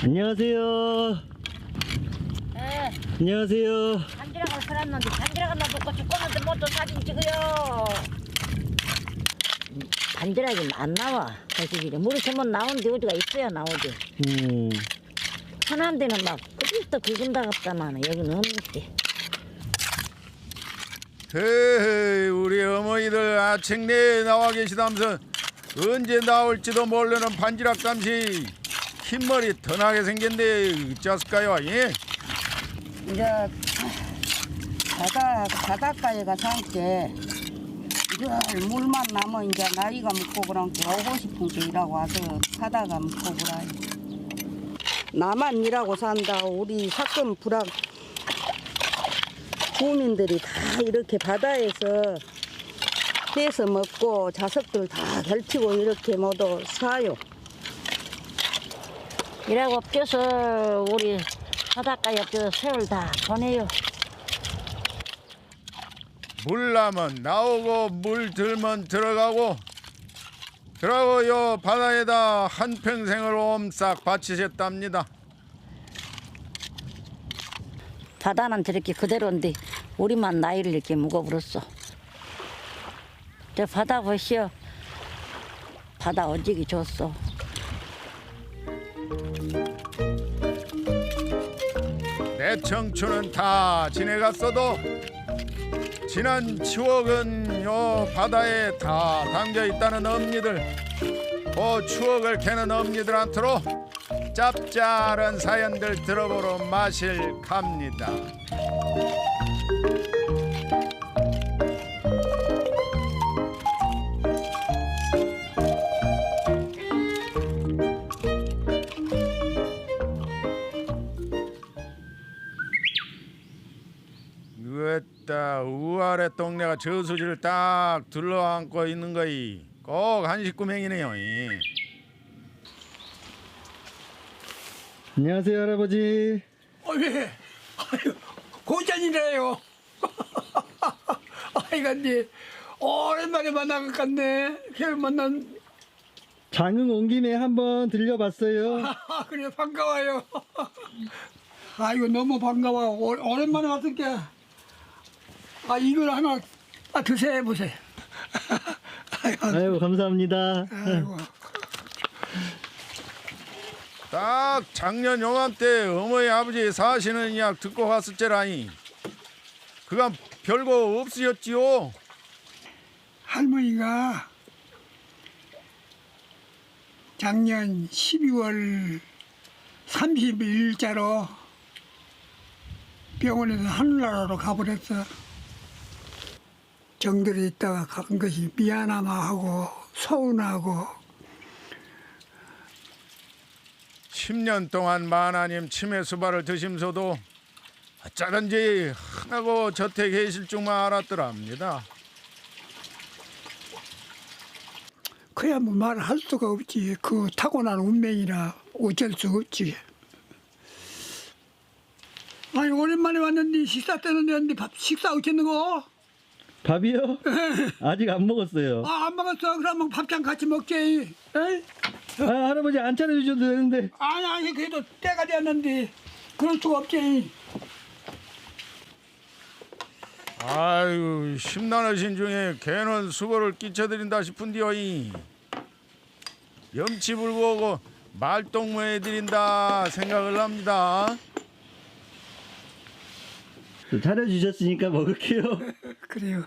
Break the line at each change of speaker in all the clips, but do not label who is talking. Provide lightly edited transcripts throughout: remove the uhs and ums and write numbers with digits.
안녕하세요.
예,
안녕하세요.
반지락을 살았는데 반지락을 놔두고 죽었는데 뭐또 사진 찍어요. 반지락이 안 나와. 사실 물이 전부 나오는데 어디가 있어야 나오지. 흔한 데는 막 어디부터 굵은다 같다만 여기는 없는데.
헤이, 우리 어머니들 아침 내에 나와 계시다면서 언제 나올지도 모르는 반지락 잠시 흰머리 턴하게 생겼는데 어쩌을까요? 예?
이제 바닷가에 가서 함께 늘 물만 나면 이제 나이가 먹고 그런게 오고 싶은 게 일하고 와서 사다가 먹고 그래. 나만 일하고 산다. 우리 사건 불악 주민들이 다 이렇게 바다에서 떼서 먹고 자석들 다 결피고 이렇게 모두 사요.
이라고 껴서 우리 바닷가에 저 새울 다 보내요.
물 나면 나오고 물 들면 들어가고 요 바다에다 한평생을 옴싹 바치셨답니다.
바다는 저렇게 그대로인데 우리만 나이를 이렇게 묵어버렸어. 저 바다 보시오. 바다 어지기 좋소.
내 청춘은 다 지내갔어도 지난 추억은 요 바다에 다 담겨 있다는 엄니들, 그 추억을 캐는 엄니들한테로 짭짤한 사연들 들어보러 마실 갑니다. 으따 우아래 동네가 저수지를 딱 둘러안고 있는 거이 꼭 한식구맹이네요.
안녕하세요, 할아버지.
예. 아유, 고전이래요. 아이가 니 오랜만에 만난 것 같네. 걔를 만난.
장흥 온 김에 한번 들려봤어요.
그래 반가워요. 아이고 너무 반가워. 오랜만에 왔으니까. 이걸 하나 드세요 보세요.
아이고, 감사합니다.
아이고.
딱 작년 요맘때 어머니 아버지 사시는 이야기 듣고 왔었제라니. 그간 별거 없으셨지요?
할머니가 작년 12월 31일자로 병원에서 하늘나라로 가버렸어. 정들에 있다가 간 것이 미안함하고 서운하고.
10년 동안 만하님 치매 수발을 드시면서도 어쩌든지 하나고 저태 계실 줄만 알았더랍니다.
그야 뭐 말할 수가 없지. 그 타고난 운명이라 어쩔 수 없지. 아니 오랜만에 왔는데 식사 때는 됐는데 식사 어쨌는 거?
밥이요? 아직 안 먹었어요.
안 먹었어. 그러면 밥장 같이 먹지. 에이?
할아버지 안 차려주셔도 되는데.
아니 그래도 때가 됐는데 그럴 수가 없지.
아유, 심란하신 중에 개는 수고를 끼쳐드린다 싶은데요. 염치 불구하고 말동무해드린다 생각을 합니다.
차려주셨으니까 먹을게요.
그래요.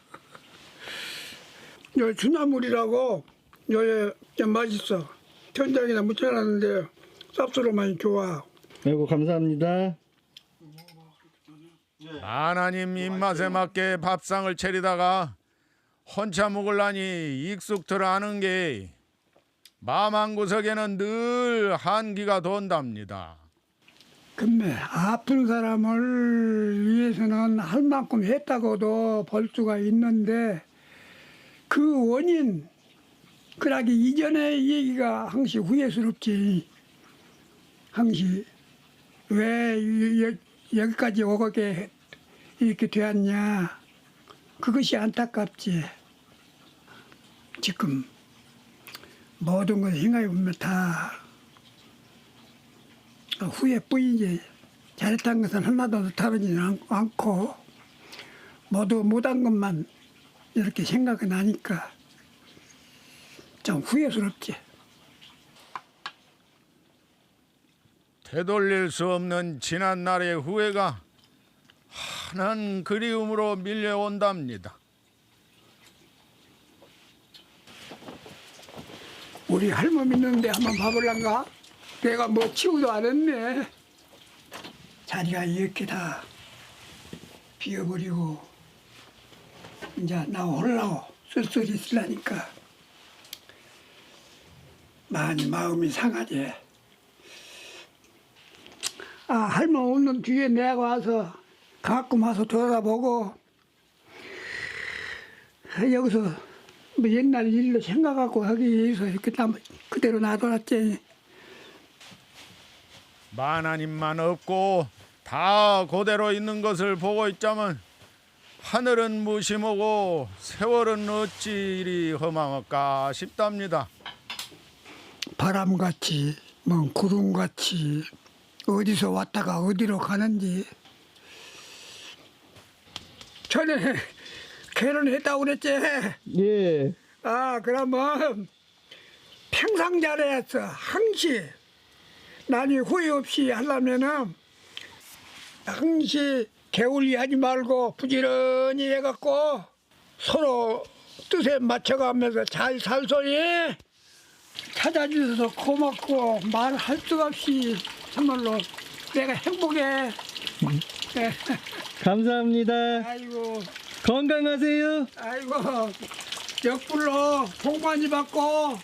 요 주나물이라고 요에 좀 맛있어. 천장에다 묻혀놨는데 쌉스러움이 좋아.
아이고, 감사합니다.
하나님 입맛에 맞게 밥상을 차리다가 혼자 먹으려니 익숙들 하는 게 마음 한구석에는 늘 한기가 돈답니다.
근데 아픈 사람을 위해서는 할 만큼 했다고도 볼 수가 있는데 그 원인 그러기 이전의 얘기가 항시 후회스럽지. 항시 왜 여기까지 오게 이렇게 되었냐. 그것이 안타깝지. 지금 모든 걸 생각해 보면 다 후회뿐이지 잘했다는 것은 하나도 다르지는 않고 모두 못한 것만 이렇게 생각이 나니까 좀 후회스럽지.
되돌릴 수 없는 지난 날의 후회가 환한 그리움으로 밀려온답니다.
우리 할머니 있는데 한번 봐볼란가? 내가 뭐 치우도 안 했네. 자리가 이렇게 다 비어버리고 이제 나 홀라고 쓸쓸히 있으려니까 많이 마음이 상하지. 아, 할머니 오는 뒤에 내가 와서 가끔 와서 돌아보고 여기서 뭐 옛날 일로 생각하고 하기 위해서 이렇게 그대로 놔둬놨지.
만하님만 없고 다 그대로 있는 것을 보고 있자면 하늘은 무심하고 세월은 어찌 이리 험하을까 싶답니다.
바람같이 뭐 구름같이 어디서 왔다가 어디로 가는지. 전에 결혼했다고 그랬지?
예.
아, 그러면 평상 잘해야겠어. 항시 난이 후회 없이 하려면은 항시 게을리 하지 말고 부지런히 해갖고 서로 뜻에 맞춰가면서 잘 살소니. 찾아주셔서 고맙고 말할 수가 없이 정말로 내가 행복해. 네.
감사합니다.
아이고,
건강하세요.
아이고, 역불로 복 많이 받고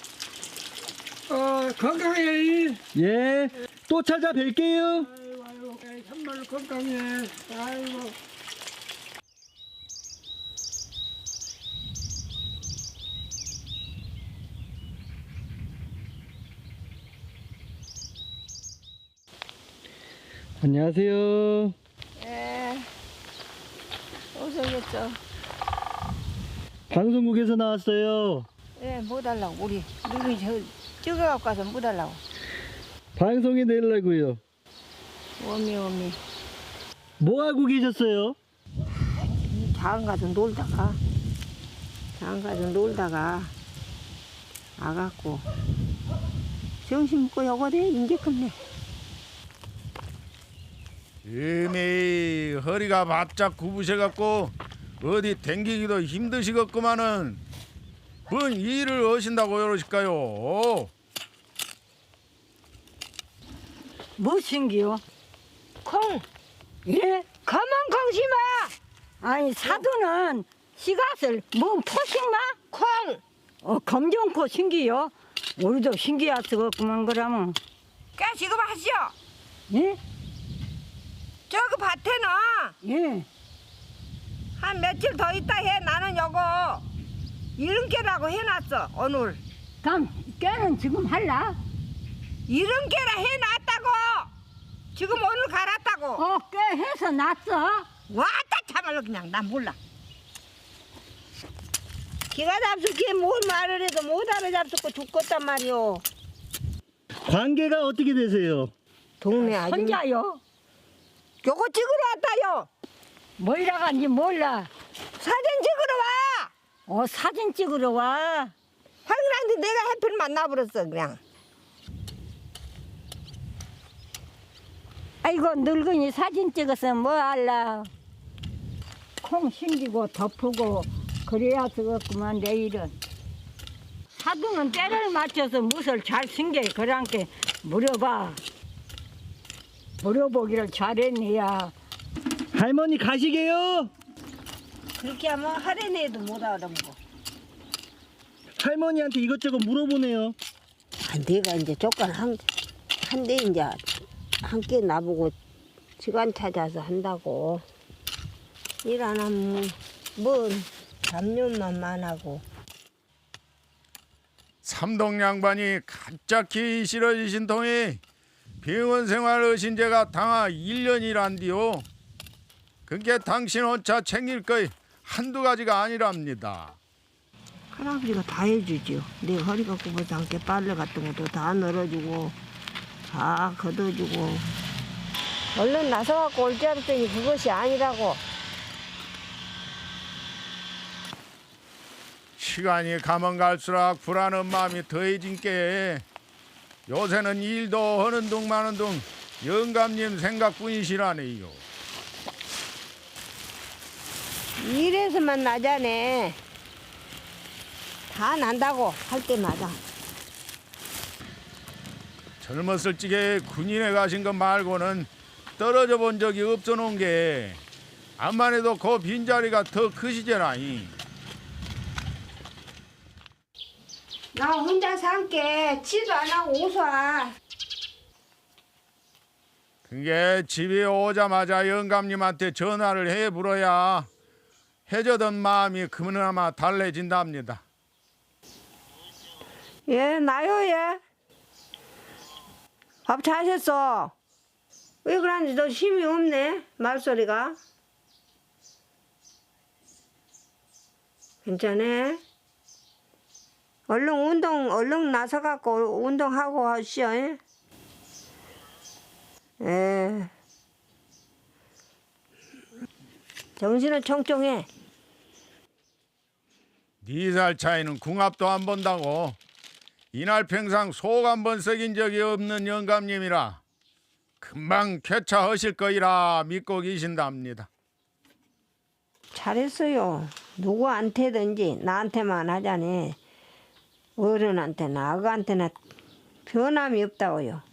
건강해.
예. 또 찾아뵐게요.
아이고, 정말로 건강해. 아이고.
안녕하세요.
예. 오셨겠죠.
방송국에서 나왔어요.
예, 뭐 달라고 우리 누구 찍어갖고 가서 뭐 달라고.
방송에 내려고요.
오미
뭐 하고 계셨어요?
장안 가서 놀다가 와갖고 정신 먹고 요거대 인제 끝내.
이미 허리가 바짝 굽으셔갖고 어디 댕기기도 힘드시겠구만은 뭔 일을 하신다고 그러실까요?
뭐 신기요?
콩.
예?
검은 콩 심어.
아니 사도는 씨앗을 뭐 포식마?
콩.
검정코 신기요? 우리도 신기할 수가 없구만 그러면.
까 지금 하시오.
예?
저기 밭에는
예.
한 며칠 더 있다 해. 나는 요거 이른깨라고 해놨어 오늘.
그럼 깨는 지금 할라?
이른깨라 해놨다고. 지금 오늘 갈았다고.
깨 해서 놨어?
왔다 참말로 그냥 난 몰라. 기가 잡수기에 뭘 말을 해도 못 알아잡수고 죽겠단 말이오.
관계가 어떻게 되세요?
동네 아줌마.
혼자요?
요거 찍으러 왔다요.
뭐이라 간지 몰라.
사진 찍으러 와.
사진 찍으러 와.
확인한데 내가 해필 만나버렸어 그냥.
아이고 늙은이 사진 찍어서 뭐 할라. 콩 신기고 덮고 그래야 되겠구만 내일은. 사두는 때를 맞춰서 무엇을 잘 신게 그랑께 물어보기를 잘했네야.
할머니 가시게요.
그렇게 하면 하려내도 못 알아보고.
할머니한테 이것저것 물어보네요.
내가 이제 조건 한대 이제 함께 나보고 시간 찾아서 한다고. 일 안 하면 뭔 잡념만 많하고.
삼동 양반이 갑자기 싫어지신 통에 병원 생활 하신 지가 당하 1년이란디요. 그게 당신 혼자 챙길 거이 한두 가지가 아니랍니다.
할아버지가 다 해주지요. 내 허리가 굽어서 함께 빨래 같은 것도 다 널어주고
다 걷어주고.
얼른 나서갖고 올 줄 알았더니 그것이 아니라고.
시간이 가면 갈수록 불안한 마음이 더해진 게 요새는 일도 하는 둥 마는 둥 영감님 생각뿐이시라네요.
일에서만 나자네. 다 난다고 할 때마다.
젊었을 적에 군인에 가신 것 말고는 떨어져 본 적이 없어 놓은 게 암만 해도 그 빈자리가 더 크시잖아이.
나 혼자 살게. 치도 안 하고 웃어.
그게 집에 오자마자 영감님한테 전화를 해 물어야 해저던 마음이 그나마 달래진답니다.
예, 나요, 예. 밥 잘하셨어. 왜 그러는지 너 힘이 없네, 말소리가. 괜찮아? 얼른 나서갖고 운동하고 하시오. 예. 정신은 청청해.
4살 차이는 궁합도 안 본다고 이날 평상 속 한 번 썩인 적이 없는 영감님이라 금방 쾌차하실 거이라 믿고 계신답니다.
잘했어요. 누구한테든지 나한테만 하자니 어른한테나 아가한테나 변함이 없다고요.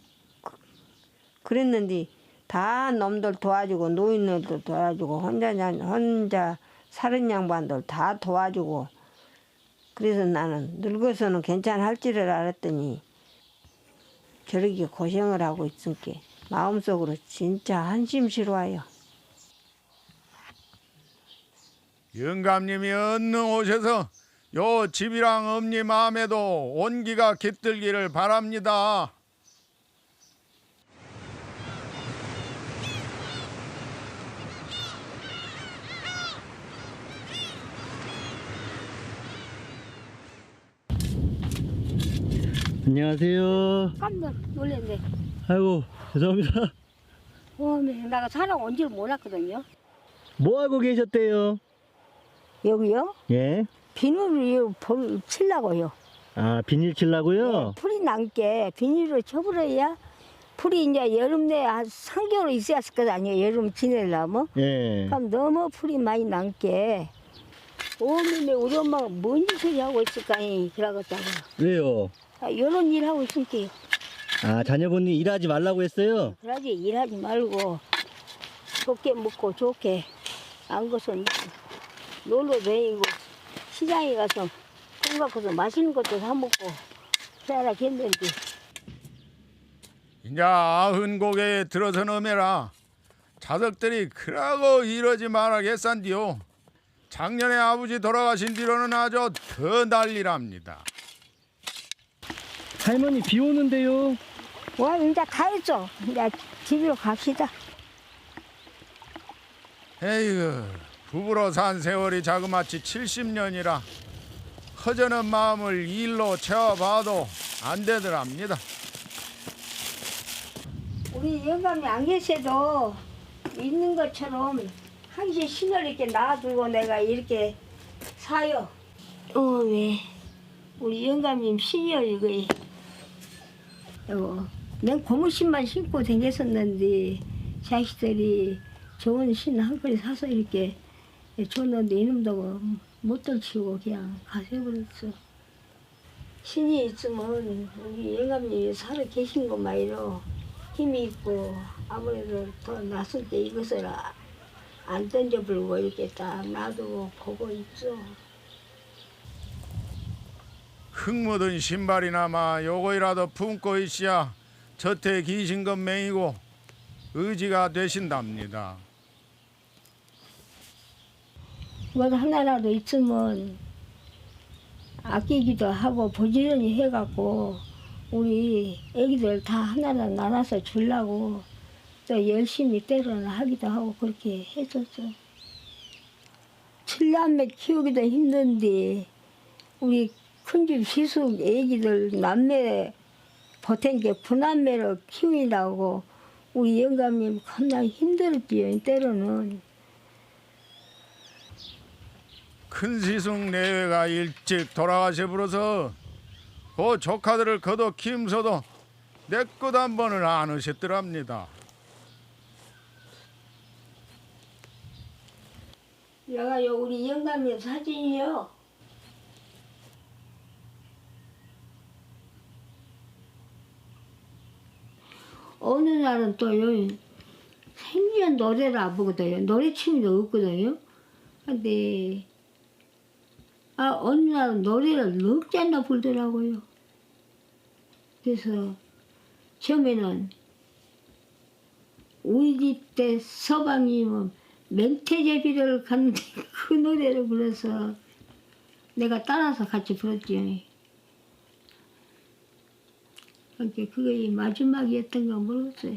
그랬는데 다 놈들 도와주고 노인들도 도와주고 혼자 사는 양반들 다 도와주고 그래서 나는 늙어서는 괜찮을 줄을 알았더니 저렇게 고생을 하고 있으니까 마음속으로 진짜 한심스러워요.
영감님이 얼른 오셔서 요 집이랑 엄니 마음에도 온기가 깃들기를 바랍니다.
안녕하세요.
깜짝 놀랐네.
아이고, 죄송합니다.
내가 사람 온 줄 몰랐거든요.
뭐 하고 계셨대요?
여기요?
예.
비닐을 치려고요.
아, 비닐 칠라고요?
풀이 남게 비닐을 쳐버려야 풀이 이제 여름 내 한 3개월 있어야 할 거 아니에요. 여름 지내려면.
예.
그럼 너무 풀이 많이 남게. 오면에 우리 엄마가 뭔 소리 하고 있을까니 그러겠다고.
왜요?
이런 일 하고 있으니까
아, 자녀분이 일하지 말라고 했어요?
그러지 일하지 말고 좋게 먹고 좋게 안 것은 놀러 다니고 시장에 가서 돈 갖고서 맛있는 것도 사 먹고 해라 했는데
이제 90곡에 들어서 넘해라. 자석들이 그러고 이러지 말아겠산디요. 작년에 아버지 돌아가신 뒤로는 아주 더 난리랍니다.
할머니 비 오는데요?
와 이제 다 했어. 이제 집으로 갑시다.
에이구, 부부로 산 세월이 자그마치 70년이라 허전한 마음을 일로 채워봐도 안 되더랍니다.
우리 영감이 안 계셔도 있는 것처럼 항상 신을 이렇게 놔두고 내가 이렇게 사요. 왜? 우리 영감님 신이요 이거. 난 고무신만 신고 다녔었는데 자식들이 좋은 신 한 그릇 사서 이렇게 줬는데 이놈도 못 들치고 그냥 가세버렸어. 신이 있으면 우리 영감님이 살아 계신 것만으로 힘이 있고 아무래도 더 낯설 때 이것을 안 던져버리고 이렇게 딱 놔두고 보고 있어.
흙 묻은 신발이나마 요거이라도 품고 있어야 저태 기신 것 맹이고 의지가 되신답니다.
뭐 하나라도 있으면 아끼기도 하고 부지런히 해갖고 우리 애기들 다 하나하나 나눠서 주려고 또 열심히 때로는 하기도 하고 그렇게 했었어. 7남매 키우기도 힘든데 우리 큰집 시숙 애기들 남매 보탠 게 구남매를 키우라고 우리 영감님 겁나 힘들었지요. 때로는.
큰 시숙 내외가 일찍 돌아가셔 버려서 그 조카들을 거둬 키우면서도 내 것 한 번을 안 하셨더랍니다.
여가요 우리 영감님 사진이요. 어느 날은 또요 생전 노래를 안 보거든요. 노래 취미도 없거든요. 근데 어느 날은 노래를 넉 잔나 불더라고요. 그래서 처음에는 우리 집 때 서방님은 맹태제비를 갔는데 그 노래를 불러서 내가 따라서 같이 불렀지요. 그러니까 그게 마지막이었던가 모르겠어요.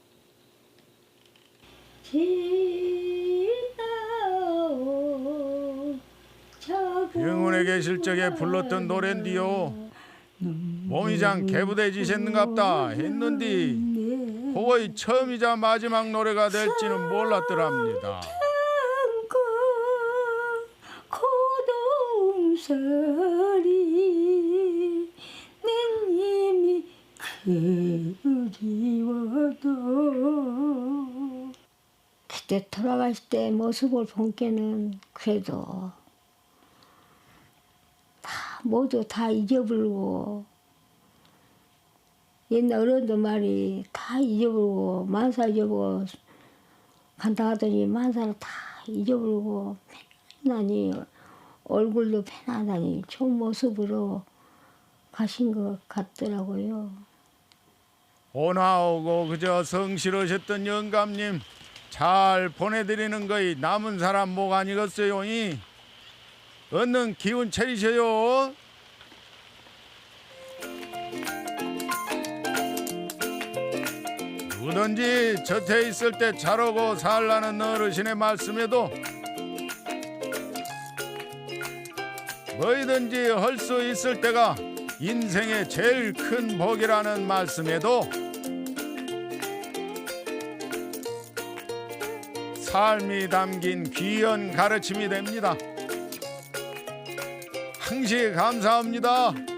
병원에 계실 적에 불렀던 노랜디요. 몸이장 개부대지셨는갑다 했는디 그거의 처음이자 마지막 노래가 될지는 몰랐더랍니다.
고동설이 내 님이 그리워도 그때 돌아가실 때 모습을 본 게는 그래도 모두 다 잊어버리고 옛날 어른들 말이 다 잊어버리고 만사 잊어버리고 간다 하더니 만사를 다 잊어버리고 편안히 얼굴도 편안하니 좋은 모습으로 가신 것 같더라고요.
오나오고 그저 성실하셨던 영감님 잘 보내드리는 거이 남은 사람 목 아니겠어요? 얻는 기운 차리셔요. 누구든지 곁에 있을 때 잘하고 살라는 어르신의 말씀에도 뭐든지 할 수 있을 때가 인생의 제일 큰 복이라는 말씀에도 삶이 담긴 귀한 가르침이 됩니다. 항시 감사합니다.